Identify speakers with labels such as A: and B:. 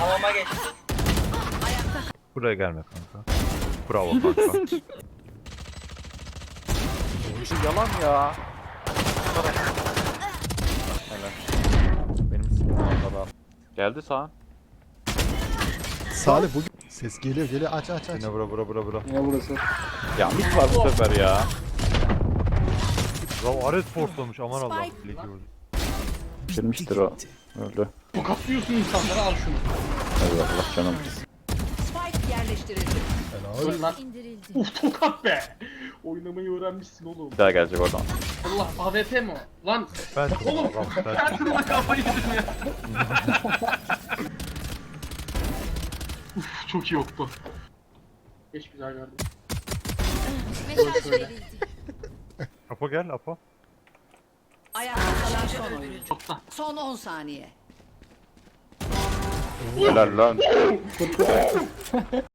A: Hamama geç.
B: Buraya gelme kanka. Bravo kanka.
C: Yalan ya. Helal. Benim sıkıntım. Geldi sağ.
D: Salih bugün ses geliyor aç.
B: Yine bura.
E: Ne burası?
C: Ya mid var bu sefer ya.
B: Bravo Ares forslamış aman Allah. Ligi vurdu.
C: Girmiştir o. Öldü.
E: Tokatlıyorsun insanları, al şunu.
C: Eyvallah canım.
F: Spike yerleştirildi.
E: Öl lan.
F: İndirildi.
E: Uf, tokat be. Oynamayı öğrenmişsin oğlum.
C: Bir daha gelecek oradan.
E: Allah, AWP mi o? Lan
B: Ben
E: oğlum
B: ben
E: her türlü kafayı yedim ya. Uf, çok iyi yoktu. Geç güzel verdim.
F: Mesaj verildi.
B: Apo gel Apo.
F: Ayakta kalan son oyuncu.
E: Çoktan.
F: Son 10 saniye.
C: Helal lan.